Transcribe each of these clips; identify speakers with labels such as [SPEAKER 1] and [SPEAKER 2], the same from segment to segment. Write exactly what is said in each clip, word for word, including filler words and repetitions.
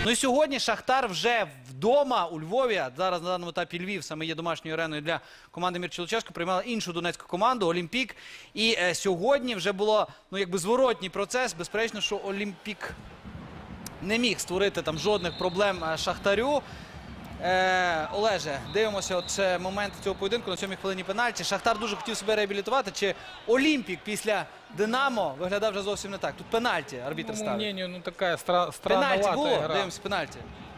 [SPEAKER 1] Ну і сьогодні Шахтар вже вдома у Львові. Зараз на даному етапі Львів саме є домашньою ареною для команди Мірча Луческо. Приймала іншу донецьку команду Олімпік. І е, сьогодні вже було, ну, якби зворотній процес. Безперечно, що Олімпік не міг створити там жодних проблем Шахтарю. Е, Олеже, дивимося от е, момент цього поєдинку на сьомій хвилині пенальті. Шахтар дуже хотів себе реабілітувати. Чи Олімпік після Динамо виглядав вже зовсім не так? Тут пенальті арбітр ставить.
[SPEAKER 2] По мнению, ну такая стра странноватая
[SPEAKER 1] Пенальті було?
[SPEAKER 2] игра.
[SPEAKER 1] Дивимося, пенальті.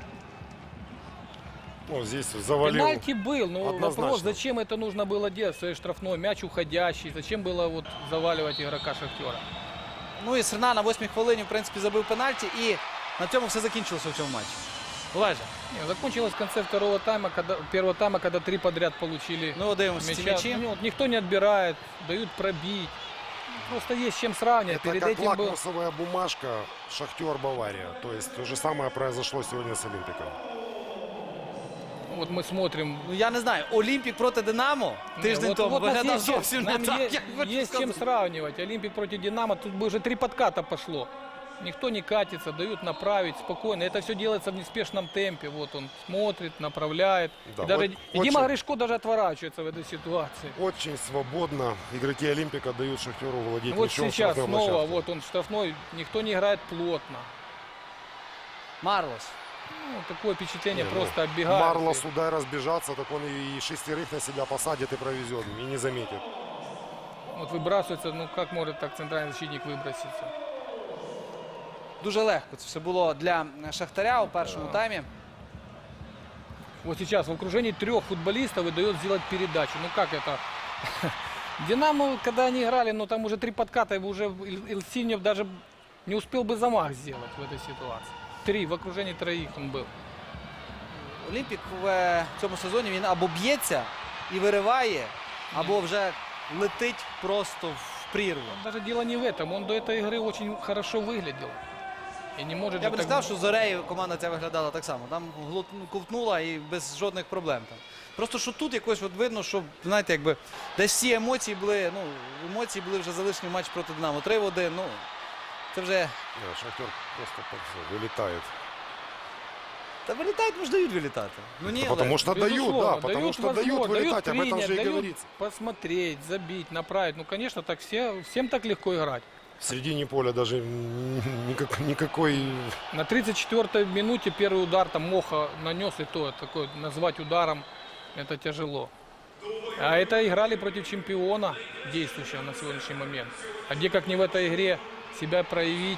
[SPEAKER 3] Ну, здесь завалил.
[SPEAKER 2] Пенальти был, но
[SPEAKER 3] Однозначно.
[SPEAKER 2] вопрос, зачем это нужно было делать, своей штрафной, мяч уходящий, зачем было вот заваливать игрока Шахтера?
[SPEAKER 1] Ну і Серна на восьмій хвилині, в принципі, забив пенальті, і на цьому все закінчилося в цьому матчі. Олеже,
[SPEAKER 2] Не, закончилось в конце второго тайма, когда, первого тайма, когда три подряд получили
[SPEAKER 1] ну дивимося ці
[SPEAKER 2] мяча.
[SPEAKER 1] м'ячі.
[SPEAKER 2] Ну, вот никто не отбирает, дают пробить. Просто есть с чем сравнивать.
[SPEAKER 3] Это
[SPEAKER 2] Перед
[SPEAKER 3] как
[SPEAKER 2] этим был...
[SPEAKER 3] лакмусовая бумажка Шахтер Бавария. То есть то же самое произошло сегодня с Олимпиком.
[SPEAKER 2] Вот мы смотрим.
[SPEAKER 1] Ну я не знаю, Олімпік проти Динамо тиждень
[SPEAKER 2] вот,
[SPEAKER 1] тому
[SPEAKER 2] вот у нас
[SPEAKER 1] виглядав
[SPEAKER 2] есть,
[SPEAKER 1] зовсім не
[SPEAKER 2] нам
[SPEAKER 1] так,
[SPEAKER 2] есть,
[SPEAKER 1] як ви
[SPEAKER 2] есть с чем
[SPEAKER 1] сказали.
[SPEAKER 2] сравнивать. Олимпик против Динамо, тут бы уже три подката пошло. Никто не катится, дают направить спокойно. Это все делается в неспешном темпе. Вот он смотрит, направляет.
[SPEAKER 3] Да,
[SPEAKER 2] и, даже,
[SPEAKER 3] вот
[SPEAKER 2] и Дима
[SPEAKER 3] очень-
[SPEAKER 2] Гришко даже отворачивается в этой ситуации.
[SPEAKER 3] Очень свободно игроки Олимпика дают Шахтеру владеть
[SPEAKER 2] Вот
[SPEAKER 3] мячом в
[SPEAKER 2] сейчас
[SPEAKER 3] штрафной
[SPEAKER 2] снова,
[SPEAKER 3] площадке.
[SPEAKER 2] вот он штрафной, никто не играет плотно.
[SPEAKER 1] Марлос.
[SPEAKER 2] Ну, такое впечатление,
[SPEAKER 3] Не, ну,
[SPEAKER 2] просто оббегает.
[SPEAKER 3] Марлос удай разбежаться, так он и шестерых на себя посадит и провезет, и не заметит.
[SPEAKER 2] Вот выбрасывается, ну как может так центральный защитник выброситься?
[SPEAKER 1] Дуже легко це все було для Шахтаря у першому таймі.
[SPEAKER 2] Вот сейчас в окружении трех футболистов и дает сделать передачу. Ну как это? Динамо, когда они играли, ну там уже три подката, и уже Ил- Илсиньев даже не успел бы замах сделать в этой ситуации. Три, в окружении троих он был.
[SPEAKER 1] Олімпік в е, цьому сезоні він або б'ється і вириває, або вже летить просто в прірву.
[SPEAKER 2] Даже дело не в этом, он до этой игры очень хорошо выглядел. И не может
[SPEAKER 1] Я
[SPEAKER 2] же
[SPEAKER 1] б не
[SPEAKER 2] так-
[SPEAKER 1] сказав, що з Зорею команда ця виглядала так само. Там глут- ну, ковтнула і без жодних проблем. Там. Просто що тут якось от видно, що, знаєте, якби десь всі емоції були, ну, емоції були вже залишені в матчі проти Динамо. три в один, ну, це вже...
[SPEAKER 3] Да, Шахтер просто так все, вылетает.
[SPEAKER 1] Та вилітають, може дають вилітати. Ну ні,
[SPEAKER 3] Да потому
[SPEAKER 1] Олег.
[SPEAKER 3] что дают,
[SPEAKER 2] Безусловно,
[SPEAKER 3] да, потому
[SPEAKER 2] дают
[SPEAKER 3] что дают
[SPEAKER 2] возможность,
[SPEAKER 3] вылетать, об этом
[SPEAKER 2] принять,
[SPEAKER 3] же и
[SPEAKER 2] дают
[SPEAKER 3] говорится.
[SPEAKER 2] посмотреть, забить, направить. Ну, конечно, так все, всем так легко играть.
[SPEAKER 3] В середине поля даже никак, никакой...
[SPEAKER 2] На тридцать четвёртой минуте первый удар там Моха нанес, и то такой назвать ударом это тяжело. А это играли против чемпиона, действующего на сегодняшний момент. А где как не в этой игре себя проявить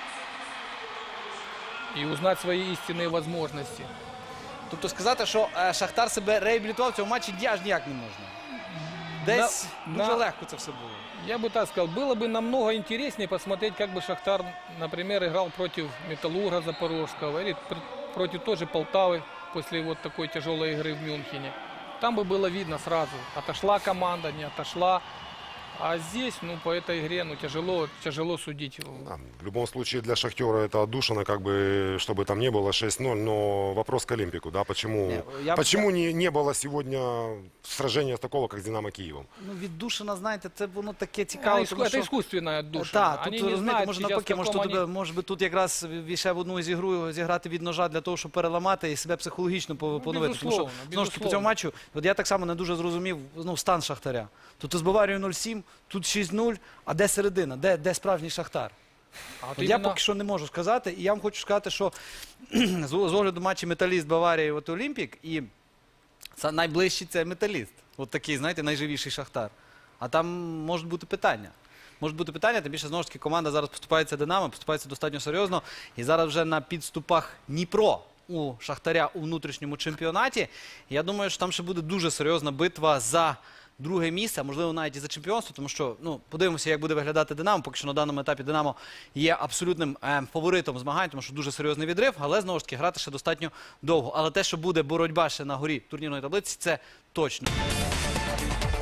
[SPEAKER 2] и узнать свои истинные возможности.
[SPEAKER 1] Тобто сказати, що е, Шахтар себе реабілітував в цьому матчі аж ніяк не можна. Десь
[SPEAKER 2] На-
[SPEAKER 1] дуже
[SPEAKER 2] на-
[SPEAKER 1] легко це все було.
[SPEAKER 2] Я бы так сказал, было бы намного интереснее посмотреть, как бы Шахтар, например, играл против Металлурга Запорожского или пр- против той же Полтавы после вот такой тяжелой игры в Мюнхене. Там бы было видно сразу, отошла команда, не отошла. А здесь, ну, по этой игре, ну, тяжело, тяжело судить.
[SPEAKER 3] Да, в любом случае для Шахтера это отдушина, как бы, чтобы там не было шесть ноль, но вопрос к Олимпику, да, почему,
[SPEAKER 1] Не, я-
[SPEAKER 3] почему не, не было сегодня сражения такого, как с Динамо Киевом?
[SPEAKER 1] Ну, віддушина, знаєте, це воно таке
[SPEAKER 2] А,
[SPEAKER 1] цікаве,
[SPEAKER 2] иску-
[SPEAKER 1] тому
[SPEAKER 2] это
[SPEAKER 1] що...
[SPEAKER 2] искусственная душа.
[SPEAKER 1] Так,
[SPEAKER 2] Они
[SPEAKER 1] тут,
[SPEAKER 2] не
[SPEAKER 1] розумієте,
[SPEAKER 2] знают
[SPEAKER 1] може
[SPEAKER 2] сейчас,
[SPEAKER 1] навпаки,
[SPEAKER 2] в
[SPEAKER 1] може,
[SPEAKER 2] каком
[SPEAKER 1] тут,
[SPEAKER 2] они-
[SPEAKER 1] може би тут якраз ще в одну із ігру зіграти від ножа для того, щоб переламати і себе психологічно по- поновити. Тому що,
[SPEAKER 2] безусловно,
[SPEAKER 1] знову ж таки, по
[SPEAKER 2] безусловно.
[SPEAKER 1] цьому матчу, от я так само не дуже зрозумів, ну, стан Шахтаря. Тут з Баварією нуль сім, тут шість нуль, а де середина, де, де справжній Шахтар?
[SPEAKER 2] А вот
[SPEAKER 1] От я
[SPEAKER 2] именно-
[SPEAKER 1] поки що не можу сказати, і я вам хочу сказати, що з з огляду матчі Металіст Баварія от Олімпік, і це найближчий це Металіст. От такий, знаєте, найживіший Шахтар. А там можуть бути питання. Можуть бути питання, тим більше, знову ж таки, команда зараз поступається Динамо, поступається достатньо серйозно. І зараз вже на підступах Дніпро у Шахтаря у внутрішньому чемпіонаті. Я думаю, що там ще буде дуже серйозна битва за друге місце, а можливо навіть і за чемпіонство, тому що, ну, подивимося, як буде виглядати Динамо. Поки що на даному етапі Динамо є абсолютним е, фаворитом змагань, тому що дуже серйозний відрив, але знову ж таки грати ще достатньо довго. Але те, що буде боротьба ще на горі турнірної таблиці, це точно.